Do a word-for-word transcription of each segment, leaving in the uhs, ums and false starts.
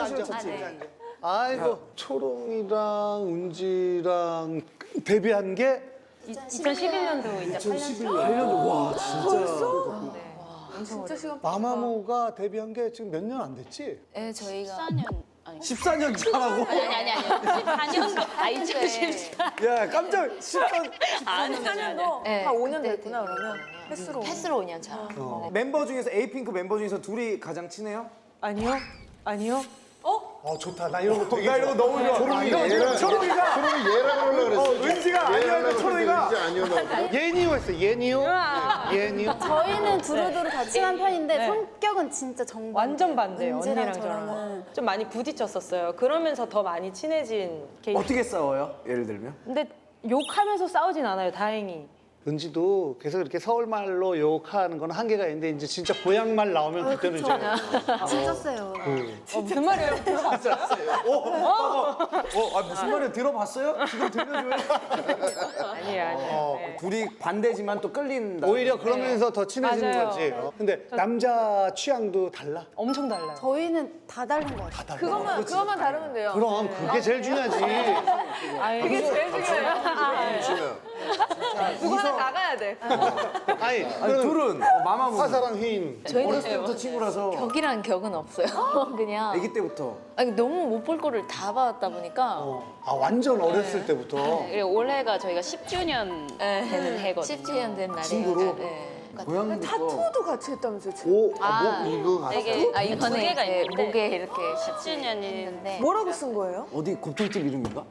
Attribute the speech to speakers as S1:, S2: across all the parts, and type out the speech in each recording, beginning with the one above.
S1: 앉아.
S2: 좋지.
S1: 아이고 초롱이랑 은지랑 데뷔한 게
S3: 이천십일 년도 이제
S1: 이천십일 년.
S2: 와 진짜.
S4: 진짜 시간
S1: 마마무가 데뷔한 게 지금 몇 년 안 됐지?
S5: 네, 저희가
S3: 십사 년 아니
S2: 십사 년 차라고?
S3: 아니 아니 아니 십사 년도 아 이천십사
S2: 야 깜짝 십사 년.
S3: 아니
S4: 사 년도
S5: 네,
S4: 한 오 년
S5: 그때
S4: 됐구나 그러면 횟수로.
S5: 횟수로 오 년 차.
S1: 어.
S2: 멤버 중에서 에이핑크 멤버 중에서 둘이 가장 친해요?
S4: 아니요? 아니요?
S1: 어 좋다. 나 이런 거 되게
S2: 나 이거 너무 좋아.
S6: 초롱이
S2: 이거
S6: 얘랑
S2: 초롱이가
S6: 초롱이 얘랑 하려고 그랬어.
S2: 어, 은지가 아니었는데 초롱이가.
S6: 은지 아니었나?
S1: 예니오 했어. 예니오. 예니오.
S7: 저희는 두루두루 다 친한 편인데
S8: 네.
S7: 성격은 진짜 정반.
S8: 완전 반대예요.
S7: 은지랑
S8: 언니랑 저랑
S7: 저랑은.
S8: 좀 많이 부딪혔었어요. 그러면서 더 많이 친해진 케이스.
S2: 어떻게 싸워요? 예를 들면?
S8: 근데 욕하면서 싸우진 않아요. 다행히.
S1: 은지도 계속 이렇게 서울말로 욕하는 건 한계가 있는데 이제 진짜 고향말 나오면 그때는 이제
S7: 진짜 세요.
S8: 어, 무슨 말이에요? 들어봤어요?
S2: 어, 아, 무슨 말이야? 들어봤어요? 지금 들려줘요?
S8: 아니에요, 아니에요. 네.
S2: 둘이 반대지만 또 끌린다.
S1: 오히려 그러면서 더 친해지는
S8: 맞아요.
S1: 거지. 어. 근데 남자 취향도 달라.
S8: 엄청 달라요.
S7: 저희는 다 다른 것 같아요.
S1: 다 달라.
S4: 그것만 그것만 다르면 돼요.
S1: 그럼 그게 제일 중요하지.
S8: 아유,
S4: 그게 제일 중요해요.
S6: 치면
S4: 누구 하나 나가야 돼.
S1: 아니,
S2: 아니
S1: 그럼
S2: 둘은 어, 마마무.
S1: 화사랑 휘인.
S2: 어렸을 때부터 친구라서
S5: 격이란 격은 없어요. 그냥
S2: 아기 때부터.
S5: 아니, 너무 못 볼 거를 다 봐왔다 보니까
S1: 어. 아 완전 어렸을 때부터.
S3: 그리고 올해가 저희가 십 주년 되는 해거든요.
S5: 십 주년 된 날에
S2: 친구로?
S5: 네.
S2: 고양이도
S4: 타투도 같이 했다면서요? 지금.
S1: 오,
S5: 아,
S1: 아, 뭐 이거
S3: 이게
S5: 아 이번에
S3: 두 개가
S5: 이제
S3: 있는데
S5: 목에 이렇게
S3: 십 주년이
S5: 있는데
S4: 뭐라고 쓴 거예요?
S2: 어디 곱돌집 이름인가?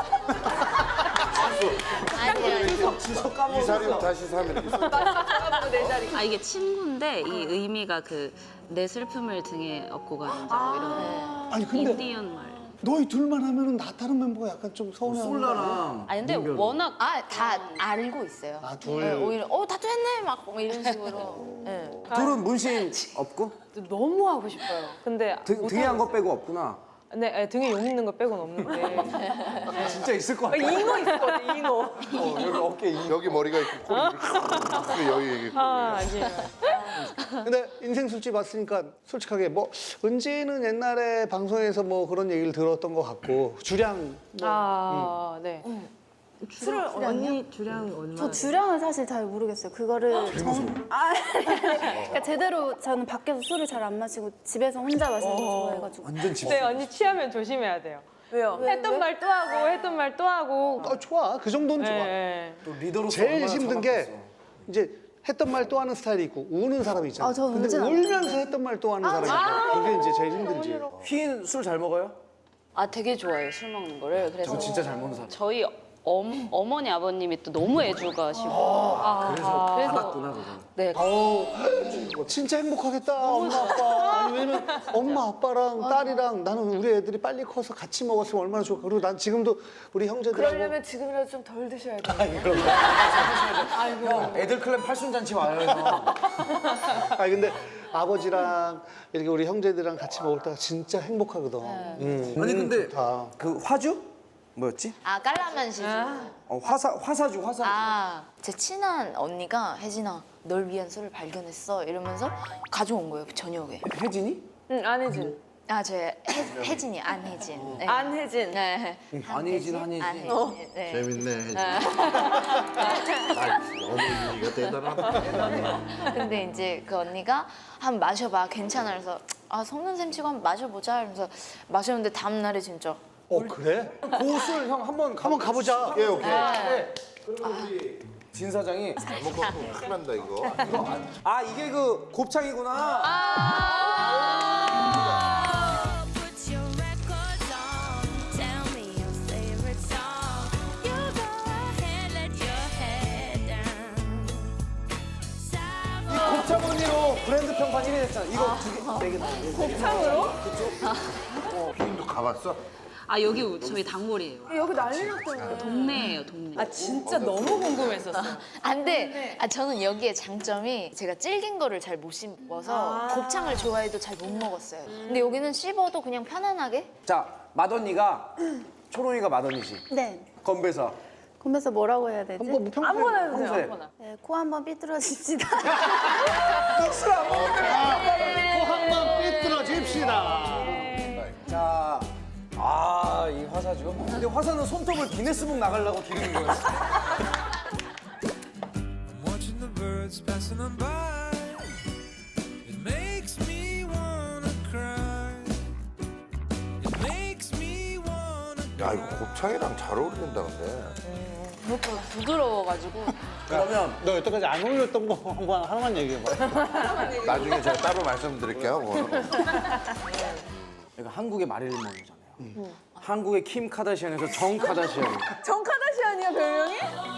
S5: 아니야.
S2: 주소
S6: 이사림
S2: 까먹었어.
S6: 다시 사면 있어.
S4: 내 자리.
S3: 아 이게 친구인데 이 의미가 그 내 슬픔을 등에 업고 가는 자 뭐 이런
S1: 아니 근데
S3: 인디언 말.
S1: 너희 둘만 하면은 나 다른 멤버가 약간 좀 서운해.
S2: 솔라랑.
S3: 아니 근데
S2: 민별이.
S3: 워낙
S5: 아 다 알고 있어요.
S1: 아, 둘.
S5: 네, 오히려 어 타투했네 막 이런 식으로. 네.
S2: 둘은 문신 없고?
S8: 너무 하고 싶어요. 근데
S2: 등,
S8: 못
S2: 등에 한 거
S8: 하겠어요.
S2: 빼고 없구나.
S8: 네, 아니, 등에 용 있는 거 빼고는 없는데.
S2: 진짜 있을 것
S8: 아,
S2: 같아.
S8: 잉어 있었거든, 잉어.
S2: 어, 여기 어깨 이.
S6: 여기 머리가 있고 코리 이렇게 여기 여기.
S8: 아, 아니에요.
S1: 근데 인생 술집 왔으니까 솔직하게 뭐 은지는 옛날에 방송에서 뭐 그런 얘기를 들었던 것 같고 주량 뭐
S8: 아, 네.
S4: 술을
S8: 언니 주량 얼마?
S7: 저 주량은 사실 잘 모르겠어요. 그거를 정... 아, 그러니까 제대로 저는 밖에서 술을 잘 안 마시고 집에서 혼자 마시는 거 좋아해가지고.
S2: 완전 집.
S8: 네, 언니 취하면 조심해야 돼요.
S4: 왜요?
S8: 했던 말 또 하고, 했던 말 또 하고.
S1: 어, 좋아 그 정도는 좋아.
S8: 네.
S2: 또 리더로서
S1: 제일
S2: 얼마나
S1: 힘든
S2: 정확했어.
S1: 게 이제 했던 말 또 하는 스타일이 있고 우는 사람이 있잖아.
S7: 아, 저
S1: 근데
S7: 울진 않아요.
S1: 울면서 했던 말 또 하는 사람이 있잖아. 그게 이제 제일 힘든지.
S2: 휘인 술 잘 먹어요?
S3: 아 되게 좋아해요 술 먹는 거를. 그래서
S2: 저 진짜 잘 먹는 사람.
S3: 저희 엄, 어머니 아버님이 또 너무 애주가시고
S2: 그래서
S3: 그래서-
S2: 받았구나 그거.
S3: 네
S1: 아우 진짜 행복하겠다 엄마 아빠. 아니, 왜냐면 엄마 아빠랑 딸이랑 나는 우리 애들이 빨리 커서 같이 먹었으면 얼마나 좋을까. 그리고 난 지금도 우리 형제들하고
S4: 그러려면 지금이라도 좀 덜 드셔야 돼요.
S2: 형, 애들 클럽 팔순잔치 와요. 형.
S1: 아니 근데 아버지랑 이렇게 우리 형제들이랑 같이 먹을 때가 진짜 행복하거든. 음,
S2: 아니 근데
S1: 좋다.
S2: 그 화주? 뭐였지?
S5: 아 깔라만 시즌.
S2: 어, 화사 화사주 화사주.
S5: 아, 제 친한 언니가 혜진아, 널 위한 술을 발견했어 이러면서 가져온 거예요 저녁에.
S2: 혜진이?
S8: 응, 안혜진.
S5: 아, 제 혜진이 안혜진. 네.
S8: 안혜진.
S5: 네.
S2: 안혜진, 안혜진.
S5: 안혜진. 네.
S6: 재밌네. 아, 어머니가 대단하다.
S5: 근데 이제 그 언니가 한번 마셔봐 괜찮아 그래서 아 성는 샘 치고 한번 마셔보자 이러면서 마셨는데 다음 날에 진짜
S1: 어 그래?
S2: 고술 형 한번
S1: 한번 가보자.
S6: 오케이 오케이.
S2: 진 사장이
S6: 잘못 갖고 큰일 난다 이거.
S2: 아 이게 그 곱창이구나.
S9: Put your records on. Tell me your favorite song. You go ahead, let your head down.
S2: 이 곱창 언니로 브랜드 평판 일 위 했잖아. 이거 두개 네 개. 곱창으로?
S6: 휘인도 가봤어?
S3: 아 여기 저희 단골이에요.
S4: 여기 난리 났잖아요.
S3: 동네예요 동네.
S8: 아, 진짜 너무 궁금했었어요.
S5: 안돼 아, 저는 여기에 장점이 제가 질긴 거를 잘 못 씹어서 곱창을 좋아해도 잘 못 먹었어요 근데 여기는 씹어도 그냥 편안하게
S2: 자 맏언니가 초롱이가 맏언니지.
S7: 네.
S2: 건배사.
S7: 그러면서 뭐라고 해야 되지?
S1: 뭐 평소에
S4: 아무거나 해주세요.
S2: 평소에.
S4: 아무거나.
S7: 네, 코 한번 삐뚤어집시다.
S1: 또 한번 삐뚤어집시다.
S2: 자 아, 이 화사죠. 근데 화사는 손톱을 기네스북 나가려고 기르는 거예요.
S10: Watching the birds passing on by, it makes me wanna cry. It makes me wanna.
S6: 야 이거 곱창이랑 잘 어울린다 근데.
S5: 무엇보다 부드러워가지고.
S2: 그러면
S1: 너 여태까지 안 어울렸던 거 한번 하나만 얘기해봐.
S6: 나중에 제가 따로 말씀드릴게요. 그거는.
S2: 이거 한국의 마릴린 먼로잖아요. 한국의 킴 카다시안에서 정 카다시안.
S4: 정 카다시안이야 별명이?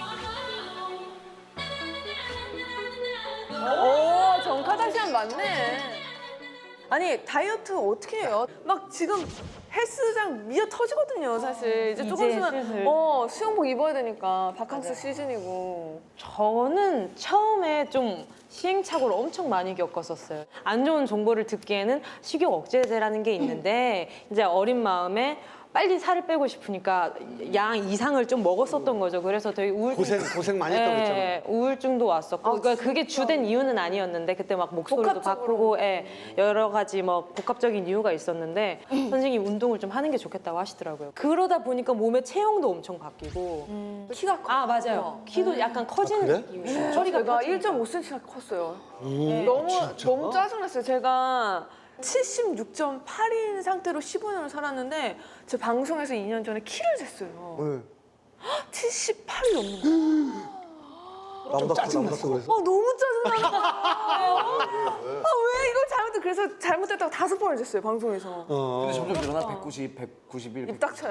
S4: 오, 정 카다시안 맞네. 아니 다이어트 어떻게 해요? 막 지금 헬스장 미어 터지거든요, 사실. 이제 조금
S8: 이제
S4: 있으면
S8: 슬슬.
S4: 어 수영복 입어야 되니까 바캉스 시즌이고.
S8: 저는 처음에 좀 시행착오를 엄청 많이 겪었었어요. 안 좋은 정보를 듣기에는 식욕 억제제라는 게 있는데 이제 어린 마음에 빨리 살을 빼고 싶으니까 양 이상을 좀 먹었었던 거죠. 그래서 되게 우울증
S1: 고생 고생 많이 했다고 했잖아.
S8: 예, 우울증도 왔었고 그러니까 그게 주된 이유는 아니었는데 그때 막 목소리도
S4: 복합적으로.
S8: 바꾸고 예, 여러 가지 뭐 복합적인 이유가 있었는데 선생님이 운동을 좀 하는 게 좋겠다고 하시더라고요. 그러다 보니까 몸의 체형도 엄청 바뀌고
S4: 키가 커.
S8: 아 맞아요. 키도 약간 커지는
S1: 그래?
S8: 느낌이에요.
S4: 저리가
S8: 커지니까.
S4: 일 점 오 센티미터가 컸어요. 너무 너무 짜증났어요. 제가 칠십육 점 팔인 상태로 십오 년을 살았는데 제 방송에서 이 년 전에 키를 쟀어요. 칠십팔이 넘는 거예요.
S1: 나보다 커, 나보다 커 그래서.
S4: 아 너무 짜증나. 아 왜 이걸 잘못해? 그래서 잘못했다고 다섯 번을 쟀어요 방송에서.
S2: 근데 점점 늘어나 백구십, 백구십일.
S4: 입 닥쳐요.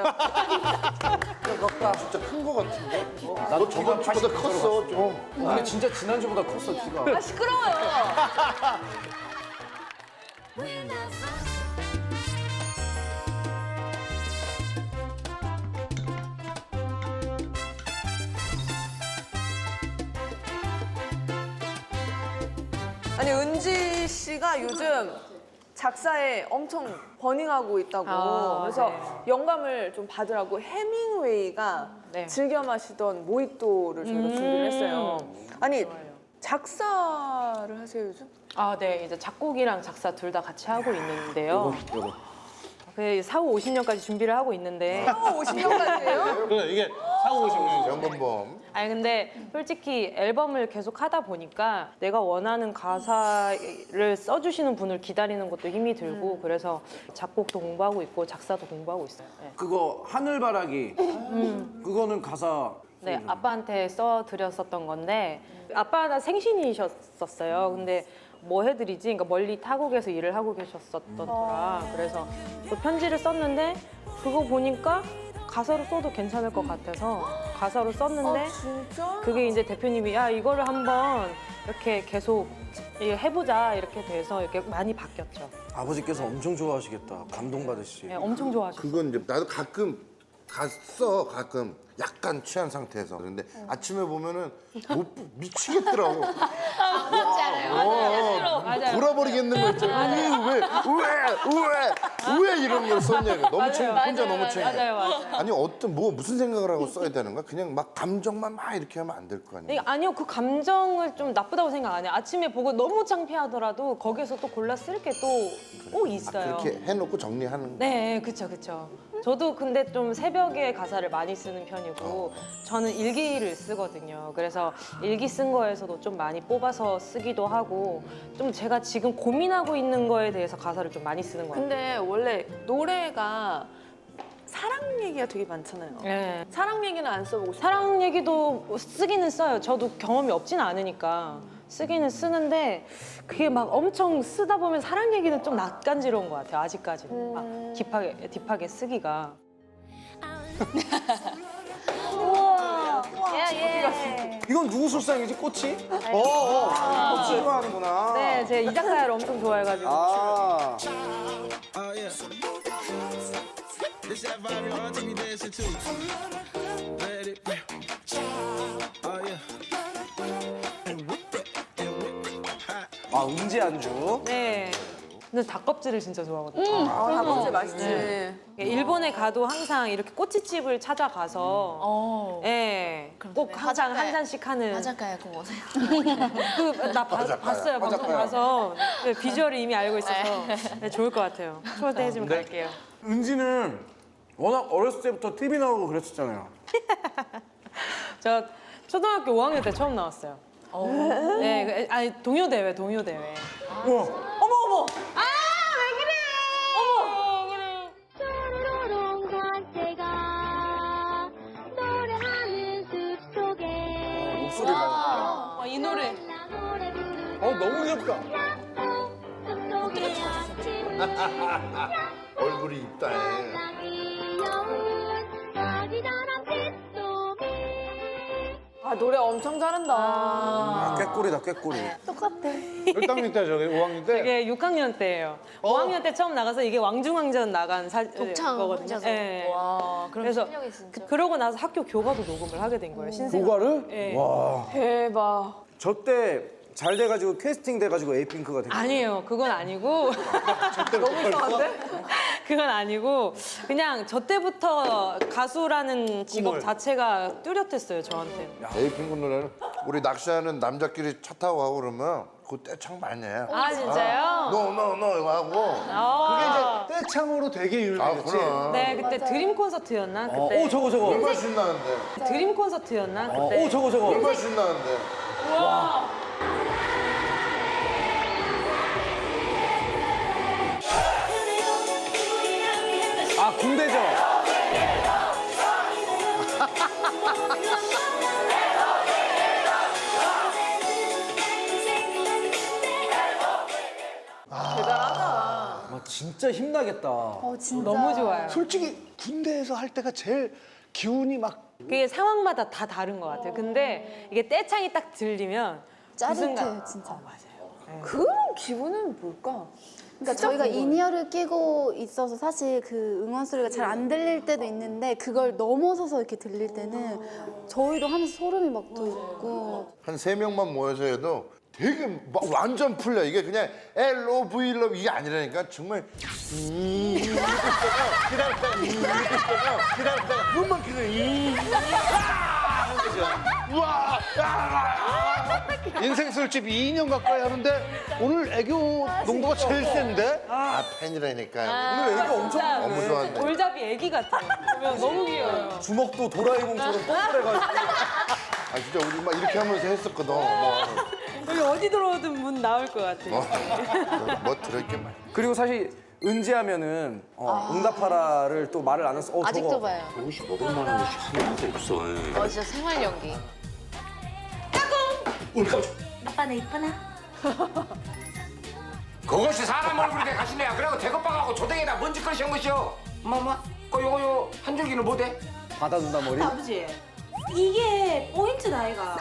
S6: 진짜 큰 거 같은데? 나도 저번 주보다 컸어 좀.
S2: 근데 진짜 지난주보다 컸어, 키가.
S4: 아 시끄러워요. 아니 은지 씨가 요즘 작사에 엄청 버닝하고 있다고.
S8: 아,
S4: 그래서
S8: 네.
S4: 영감을 좀 받으라고 해밍웨이가
S8: 네.
S4: 즐겨 마시던 모히또를 저희가 준비를 했어요. 아니 작사를 하세요 요즘?
S8: 아, 네. 이제 작곡이랑 작사 둘 다 같이 하고 있는데요.
S2: 요거.
S8: 그 사후 오십 년까지 준비를 하고 있는데.
S4: 어, 오십 년까지예요?
S1: 그래 이게 사고 오신 거죠.
S6: 연금보험.
S8: 아니 근데 솔직히 앨범을 계속 하다 보니까 내가 원하는 가사를 써주시는 분을 기다리는 것도 힘이 들고 그래서 작곡도 공부하고 있고 작사도 공부하고 있어요. 네.
S2: 그거 하늘바라기. 그거는 가사.
S8: 네, 아빠한테 써드렸었던 건데 아빠가 생신이셨었어요. 근데 뭐 해드리지? 그러니까 멀리 타국에서 일을 하고 계셨었더라. 그래서 그 편지를 썼는데 그거 보니까 가사로 써도 괜찮을 것 같아서 가사로 썼는데
S4: 아, 진짜?
S8: 그게 이제 대표님이 야 이거를 한번 이렇게 계속 이거 해보자 이렇게 돼서 이렇게 많이 바뀌었죠.
S2: 아버지께서 엄청 좋아하시겠다. 감동받으시지.
S8: 네, 엄청 좋아하셨어요.
S6: 그건 이제 나도 가끔 갔어 가끔 약간 취한 상태에서 근데 아침에 보면은 못 미치겠더라고. 어,
S8: 맞아요.
S6: 돌아버리겠는 거 있잖아. 왜왜왜왜 이런 걸 썼냐. 너무 챙 혼자 너무 챙겨.
S8: 맞아요, 맞아요.
S6: 아니 어떤 뭐 무슨 생각을 하고 써야 되는 거야? 그냥 막 감정만 막 이렇게 하면 안 될 거
S8: 네,
S6: 아니야.
S8: 아니요, 그 감정을 좀 나쁘다고 생각 안 해요. 아침에 보고 너무 창피하더라도 거기서 또 골라 쓸 게 또 꼭 있어요.
S6: 그렇게 해놓고 정리하는.
S8: 네, 그쵸, 그쵸. 저도 근데 좀 새벽에 가사를 많이 쓰는 편이고 저는 일기를 쓰거든요. 그래서 일기 쓴 거에서도 좀 많이 뽑아서 쓰기도 하고 좀 제가 지금 고민하고 있는 거에 대해서 가사를 좀 많이 쓰는 것 같아요.
S4: 근데 원래 노래가 사랑 얘기가 되게 많잖아요.
S8: 네.
S4: 사랑 얘기는 안 써보고 싶어요.
S8: 사랑 얘기도 쓰기는 써요. 저도 경험이 없지는 않으니까 쓰기는 쓰는데 그게 막 엄청 쓰다 보면 사랑 얘기는 좀 낯간지러운 것 같아요. 아직까지는 막 딥하게 딥하게 쓰기가.
S2: 이건 누구 술상이지? 꽃이? 어, 어. 꽃 좋아하는구나.
S8: 네, 제가 이 작가를 엄청 좋아해가지고.
S2: 아.
S10: Oh yeah. This that vibe, y'all take me dancing too. Let it rip. Oh yeah. And whip it, and whip it. Hot.
S2: 아, 은지 안주.
S8: 네. 근데 닭껍질을 진짜 좋아하거든요.
S4: 아, 닭껍질 맛있지.
S8: 네. 일본에 가도 항상 이렇게 꼬치집을 찾아가서
S5: 어.
S8: 예, 꼭
S5: 그래,
S8: 항상 한
S5: 화작가야.
S8: 잔씩 하는
S5: 화작가야 그거 오세요.
S8: 그나
S6: 화작가야,
S8: 봤어요 방송
S6: 화작가야.
S8: 가서 네, 비주얼을 이미 알고 있어서 네, 좋을 것 같아요. 초대해 주면 갈게요.
S2: 은지는 워낙 어렸을 때부터 티비 나오고 그랬었잖아요.
S8: 저 초등학교 오 학년 때 처음 나왔어요. 네, 그- 아니 동요 대회, 동요 대회.
S2: 우와.
S8: 어머 어머. 아 왜 그래? 어머.
S9: 뾰로롱 산새가 노래하는 숲속에
S2: 목소리가.
S8: 와, 이 노래.
S9: 노래 부르는
S2: 어 너무 귀엽다.
S9: 숲속의 아침을
S6: 얼굴이 있다.
S9: 귀여운 아기다란 빗소미
S4: 아 노래 엄청 잘한다.
S2: 아, 꾀꼬리다 꾀꼬리.
S1: 몇 학년 때 저기 오 학년 때?
S8: 이게 육 학년 때예요. 오 학년 때 처음 나가서 이게 왕중왕전 나간 사,
S5: 독창
S8: 거거든요.
S5: 혼자서.
S8: 예.
S5: 와, 그럼
S8: 그래서
S5: 실력이 진짜.
S8: 그, 그러고 나서 학교 교과도 녹음을 하게 된 거예요. 신생.
S2: 교과를?
S8: 예.
S2: 와.
S4: 대박.
S2: 저 때 잘 돼가지고 캐스팅 돼가지고 에이핑크가 됐.
S8: 아니에요. 그건 아니고.
S4: 너무 이상한데?
S8: 그건 아니고 그냥 저 때부터 가수라는 직업
S1: 꿈을.
S8: 자체가 뚜렷했어요 저한테.
S6: 에이핑크 노래는 우리 낚시하는 남자끼리 차 타고 가고 그러면 그 떼창 많이 해.
S8: 아 진짜요?
S6: 너너너 이거 하고.
S8: 아.
S1: 그게 이제 떼창으로 되게
S6: 아
S1: 유명했지.
S6: 그럼.
S8: 네 그때 드림 콘서트였나
S2: 어,
S8: 그때.
S2: 오 저거 저거.
S6: 얼마나 신나는데.
S8: 드림 콘서트였나
S2: 어,
S8: 그때.
S2: 오 저거 저거.
S6: 얼마나 신나는데.
S2: 아 군대죠. 아, 진짜 힘나겠다.
S7: 어, 진짜.
S8: 너무 좋아요.
S1: 솔직히 군대에서 할 때가 제일 기운이 막
S8: 그게 상황마다 다 다른 것 같아요. 근데 이게 떼창이 딱 들리면 그
S7: 짜릿해요,
S8: 순간-
S7: 진짜.
S8: 어, 맞아요.
S4: 그런 기분은 뭘까?
S7: 그러니까 저희가 인이어를 끼고 있어서 사실 그 응원 소리가 잘 안 들릴 때도 있는데 그걸 넘어서서 이렇게 들릴 때는 저희도 하면서 소름이 막 돋고
S6: 한 세 명만 모여서 해도 되게 막 완전 풀려. 이게 그냥 엘 오 브이 러 이게 아니라니까 정말 음 기다렸다가 기다렸다가 기다렸다가 기다렸다가 그것만 기다려. 음. 우와
S1: 인생 술집 이 년 가까이 하는데 오늘 애교 농도가 제일 센데?
S6: 아 팬이라니까.
S2: 오늘 애기 엄청
S8: 진짜
S6: 너무 좋아한다.
S8: 돌잡이 애기 같아요. 보면 너무 귀여워요.
S2: 주먹도 도라에몽처럼 뽀뽀해가지고.
S6: 아 진짜 우리 막 이렇게 하면서 했었거든. 뭐,
S8: 여기 어디 들어오든 문 나올 것 같아요.
S6: 뭐, 뭐 들어있게 말.
S2: 그리고 사실 은지하면은 어, 응답하라를 또 말을 안 해서 어,
S5: 아직도
S2: 저거.
S5: 봐요.
S11: 조금씩 먹을 만한 것이 하나도 없어.
S5: 어 진짜 생활 연기.
S9: 아빠 나 이쁘나?
S11: 그것이 사람 얼굴에 가시네야. 그리고 대kop방하고 조댕이나 먼지 것이 한 것이요. 엄마, 그 요거 요 한 줄기는 뭐대?
S2: 받아준다 머리.
S9: 아버지 이게 포인트다 아이가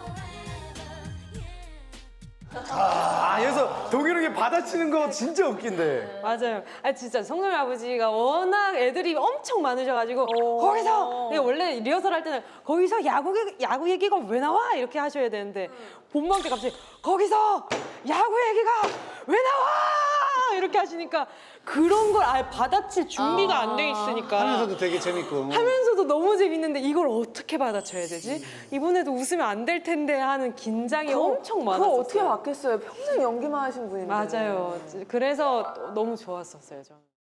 S2: 아 그래서 동일하게 받아치는 거 진짜 웃긴데.
S8: 맞아요. 아 진짜 성norm이 아버지가 워낙 애들이 엄청 많으셔가지고 거기서 그냥 원래 리허설 할 때는 거기서 야구 얘기- 야구 얘기가 왜 나와 이렇게 하셔야 되는데 본방 때 갑자기 거기서 야구 얘기가 왜 나와 이렇게 하시니까 그런 걸 아예 받아칠 준비가 안 돼 있으니까
S1: 하면서도 되게 재밌고.
S8: 하면서도 너무 재밌는데 이걸 어떻게 받아쳐야 되지? 이번에도 웃으면 안 될 텐데 하는 긴장이 엄청
S4: 그거
S8: 많았어요.
S4: 어떻게 받겠어요? 평생 연기만 하신 분인데.
S8: 맞아요. 그래서 너무 좋았었어요, 저는.